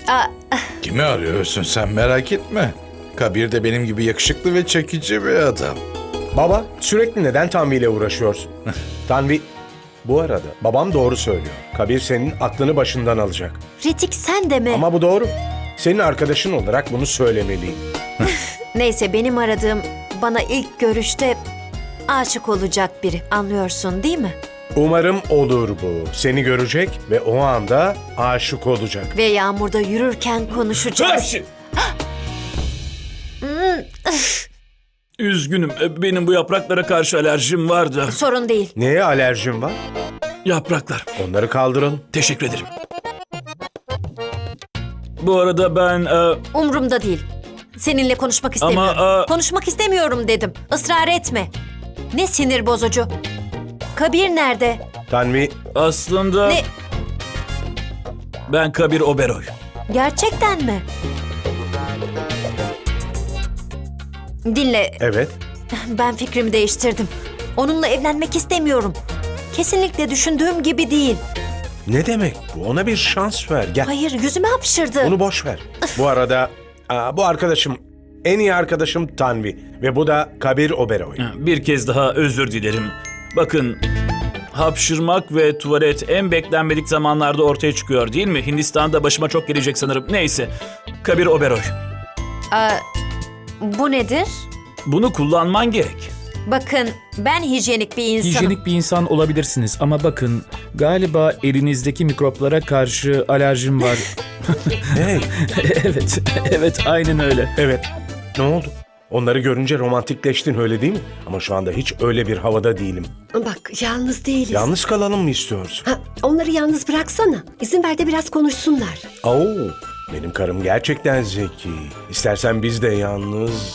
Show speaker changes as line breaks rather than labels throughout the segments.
Aa,
Kimi arıyorsun sen, merak etme. Kabir de benim gibi yakışıklı ve çekici bir adam.
Baba, sürekli neden Tanvi ile uğraşıyorsun? Tanvi, bu arada babam doğru söylüyor. Kabir senin aklını başından alacak.
Ritik sen de mi?
Ama bu doğru. Senin arkadaşın olarak bunu söylemeliyim.
Neyse, benim aradığım bana ilk görüşte aşık olacak biri. Anlıyorsun değil mi?
Umarım olur bu. Seni görecek ve o anda aşık olacak.
Ve yağmurda yürürken konuşacağız.
Üzgünüm. Benim bu yapraklara karşı alerjim var da.
Sorun değil.
Neye alerjin var?
Yapraklar.
Onları kaldıralım.
Teşekkür ederim. Bu arada ben...
Umrumda değil. Seninle konuşmak istemiyorum.
Ama,
Konuşmak istemiyorum dedim. Israr etme. Ne sinir bozucu. Kabir nerede?
Tanvi,
aslında...
Ne?
Ben Kabir Oberoy.
Gerçekten mi? Dinle,
evet.
ben fikrimi değiştirdim. Onunla evlenmek istemiyorum. Kesinlikle düşündüğüm gibi değil.
Ne demek bu? Ona bir şans ver. Gel.
Hayır, yüzüme hapşırdı.
Bunu boş ver. Bu arada bu arkadaşım, en iyi arkadaşım Tanvi ve bu da Kabir Oberoy.
Bir kez daha özür dilerim. Bakın, hapşırmak ve tuvalet en beklenmedik zamanlarda ortaya çıkıyor değil mi? Hindistan'da başıma çok gelecek sanırım. Neyse, Kabir Oberoy.
Bu nedir?
Bunu kullanman gerek.
Bakın, ben hijyenik bir insanım.
Hijyenik bir insan olabilirsiniz ama bakın galiba elinizdeki mikroplara karşı alerjim var.
Hey,
evet aynen öyle.
evet. Ne oldu? Onları görünce romantikleştin, öyle değil mi? Ama şu anda hiç öyle bir havada değilim.
Bak, yalnız değiliz.
Yalnız kalalım mı istiyorsun?
Ha, onları yalnız bıraksana. İzin ver de biraz konuşsunlar.
Oo, benim karım gerçekten zeki. İstersen biz de yalnız...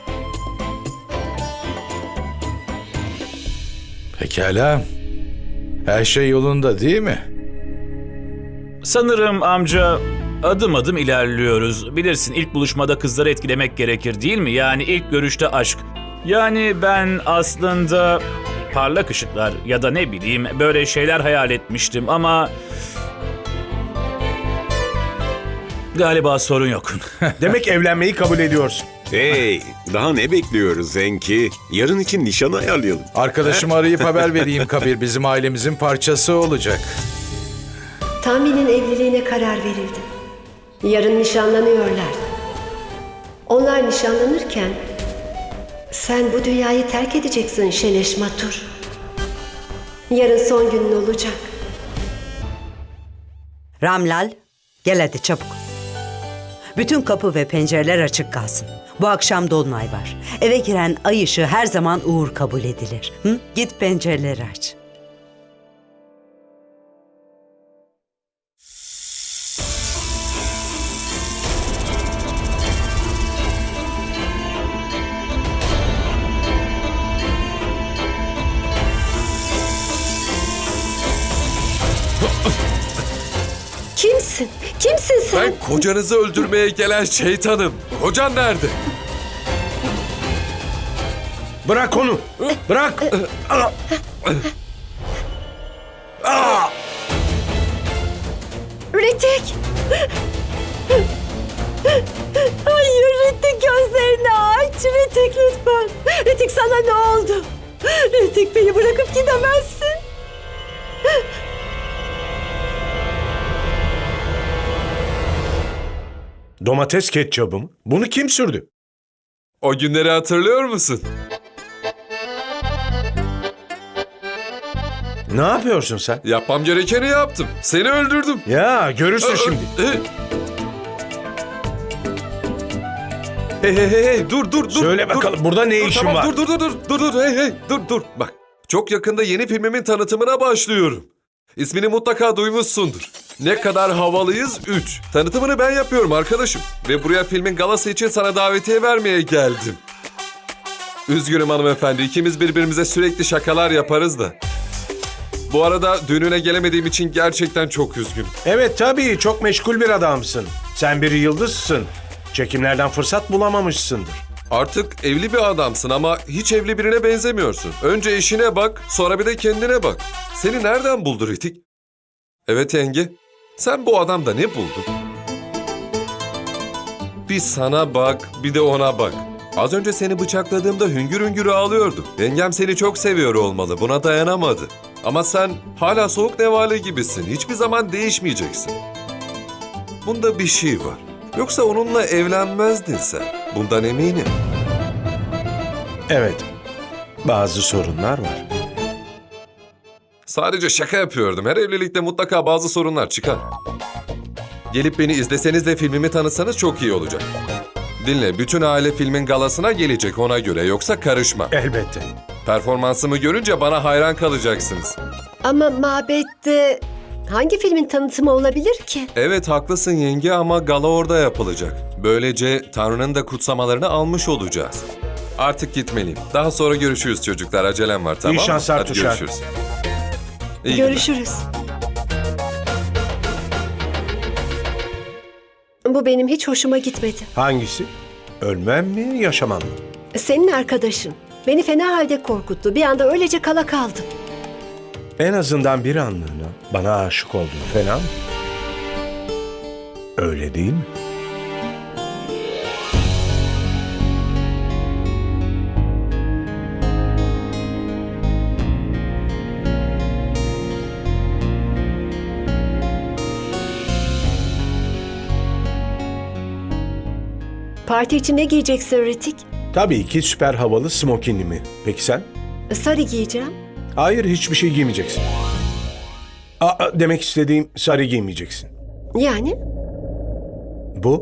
Pekala. Her şey yolunda değil mi?
Sanırım amca adım adım ilerliyoruz. Bilirsin, ilk buluşmada kızları etkilemek gerekir değil mi? Yani ilk görüşte aşk. Yani ben aslında parlak ışıklar ya da ne bileyim böyle şeyler hayal etmiştim ama... Galiba sorun yok.
Demek evlenmeyi kabul ediyorsun.
Hey, daha ne bekliyoruz Zenki? Yarın için nişan ayarlayalım.
Arkadaşımı arayıp haber vereyim, Kabir bizim ailemizin parçası olacak.
Tanvi'nin evliliğine karar verildi. Yarın nişanlanıyorlar. Onlar nişanlanırken sen bu dünyayı terk edeceksin Şeleş Matur. Yarın son günün olacak.
Ramlal, gel hadi çabuk. Bütün kapı ve pencereler açık kalsın. Bu akşam dolunay var. Eve giren ay ışığı her zaman uğur kabul edilir. Hı? Git pencereleri aç.
Kimsin? Kimsin sen?
Ben kocanızı öldürmeye gelen şeytanım. Kocan nerede?
Bırak onu! Bırak!
Ritik! Hayır Ritik, gözlerini aç. Ritik lütfen. Ritik, sana ne oldu? Ritik, beni bırakıp gidemezsin.
Domates ketçabı mı? Bunu kim sürdü?
O günleri hatırlıyor musun?
Ne yapıyorsun sen?
Yapmam gerekeni yaptım. Seni öldürdüm.
Ya görürsün şimdi.
Hey, dur.
Söyle
dur.
bakalım, burada ne
Dur,
işin
tamam,
var?
Dur, hey, dur. Bak, çok yakında yeni filmimin tanıtımına başlıyorum. İsmini mutlaka duymuşsundur. Ne kadar havalıyız 3. Tanıtımını ben yapıyorum arkadaşım. Ve buraya filmin galası için sana davetiye vermeye geldim. Üzgünüm hanımefendi, ikimiz birbirimize sürekli şakalar yaparız da. Bu arada düğününe gelemediğim için gerçekten çok üzgünüm.
Evet tabii, çok meşgul bir adamsın. Sen bir yıldızsın. Çekimlerden fırsat bulamamışsındır.
Artık evli bir adamsın ama hiç evli birine benzemiyorsun. Önce eşine bak, sonra bir de kendine bak. Seni nereden buldu Ritik? Evet yenge, sen bu adamda ne buldun? Bir sana bak, bir de ona bak. Az önce seni bıçakladığımda hüngür hüngür ağlıyordu. Yengem seni çok seviyor olmalı, buna dayanamadı. Ama sen hala soğuk nevale gibisin, hiçbir zaman değişmeyeceksin. Bunda bir şey var. Yoksa onunla evlenmezdin sen, bundan eminim.
Evet, bazı sorunlar var.
Sadece şaka yapıyordum. Her evlilikte mutlaka bazı sorunlar çıkar. Gelip beni izleseniz de filmimi tanıtsanız çok iyi olacak. Dinle, bütün aile filmin galasına gelecek ona göre, yoksa karışma.
Elbette.
Performansımı görünce bana hayran kalacaksınız.
Ama mabette hangi filmin tanıtımı olabilir ki?
Evet haklısın yenge ama gala orada yapılacak. Böylece Tanrı'nın da kutsamalarını almış olacağız. Artık gitmeliyim. Daha sonra görüşürüz çocuklar. Acelem var, tamam mı?
şanslar
Hadi
Tuşar.
görüşürüz. İyi günler.
Görüşürüz. Bu benim hiç hoşuma gitmedi.
Hangisi? Ölmem mi, yaşamam mı?
Senin arkadaşın beni fena halde korkuttu. Bir anda öylece kala kaldım.
En azından bir anlığına bana aşık oldun. Fena mı? Öyle değil mi?
Parti için ne giyeceksin Ritik?
Tabii ki süper havalı smokinimi. Peki sen?
Sarı giyeceğim.
Hayır, hiçbir şey giymeyeceksin. Demek istediğim sarı giymeyeceksin.
Yani?
Bu?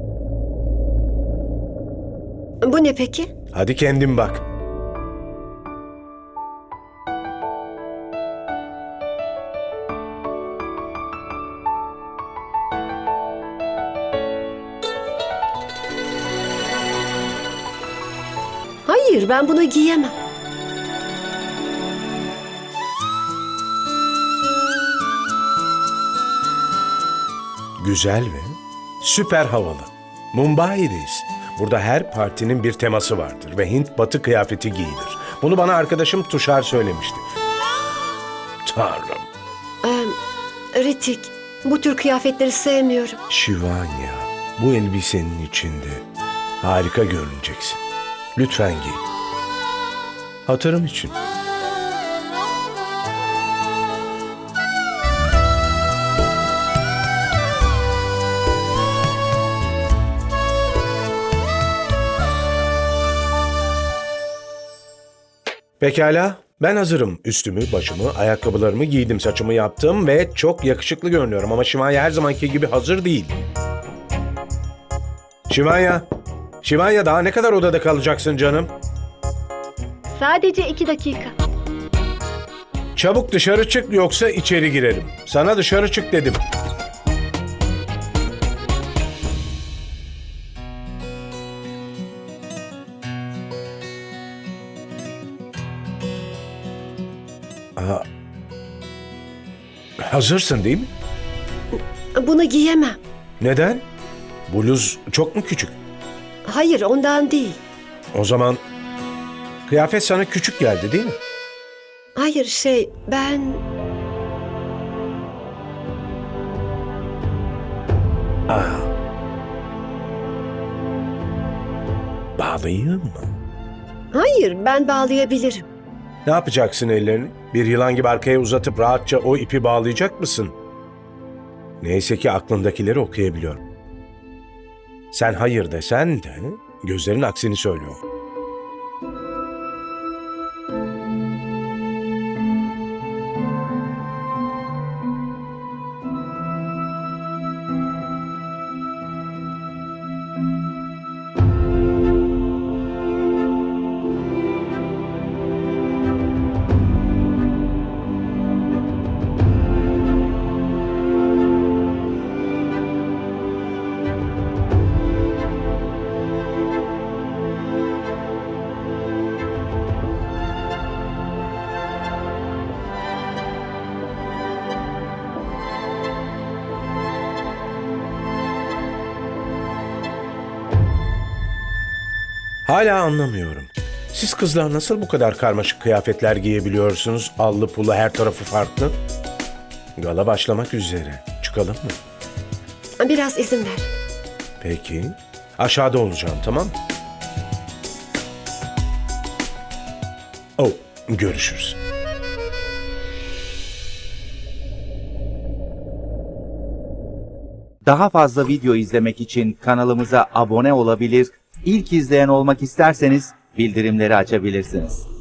Bu ne peki?
Hadi kendin bak.
Hayır, ben bunu giyemem.
Güzel ve süper havalı. Mumbai'deyiz. Burada her partinin bir teması vardır ve Hint batı kıyafeti giyilir. Bunu bana arkadaşım Tuşar söylemişti. Tanrım.
Ritik, bu tür kıyafetleri sevmiyorum.
Şivanya, bu elbisenin içinde harika görüneceksin. Lütfen giy. Hatırım için. Pekala, ben hazırım. Üstümü, başımı, ayakkabılarımı giydim, saçımı yaptım ve çok yakışıklı görünüyorum ama Şivanya her zamanki gibi hazır değil. Şivanya daha ne kadar odada kalacaksın canım?
Sadece 2 dakika.
Çabuk dışarı çık yoksa içeri girerim. Sana dışarı çık dedim. Hazırsın değil mi?
Bunu giyemem.
Neden? Bluz çok mu küçük?
Hayır, ondan değil.
O zaman kıyafet sana küçük geldi değil mi?
Hayır, ben...
Bağlayayım mı?
Hayır, ben bağlayabilirim.
Ne yapacaksın ellerini? Bir yılan gibi arkaya uzatıp rahatça o ipi bağlayacak mısın? Neyse ki aklındakileri okuyabiliyorum. Sen hayır desen de gözlerin aksini söylüyor. Hala anlamıyorum. Siz kızlar nasıl bu kadar karmaşık kıyafetler giyebiliyorsunuz? Allı pullu her tarafı farklı. Gala başlamak üzere. Çıkalım mı?
Biraz izin ver.
Peki. Aşağıda olacağım, tamam mı? Oh, görüşürüz.
Daha fazla video izlemek için kanalımıza abone olabilir, ilk izleyen olmak isterseniz bildirimleri açabilirsiniz.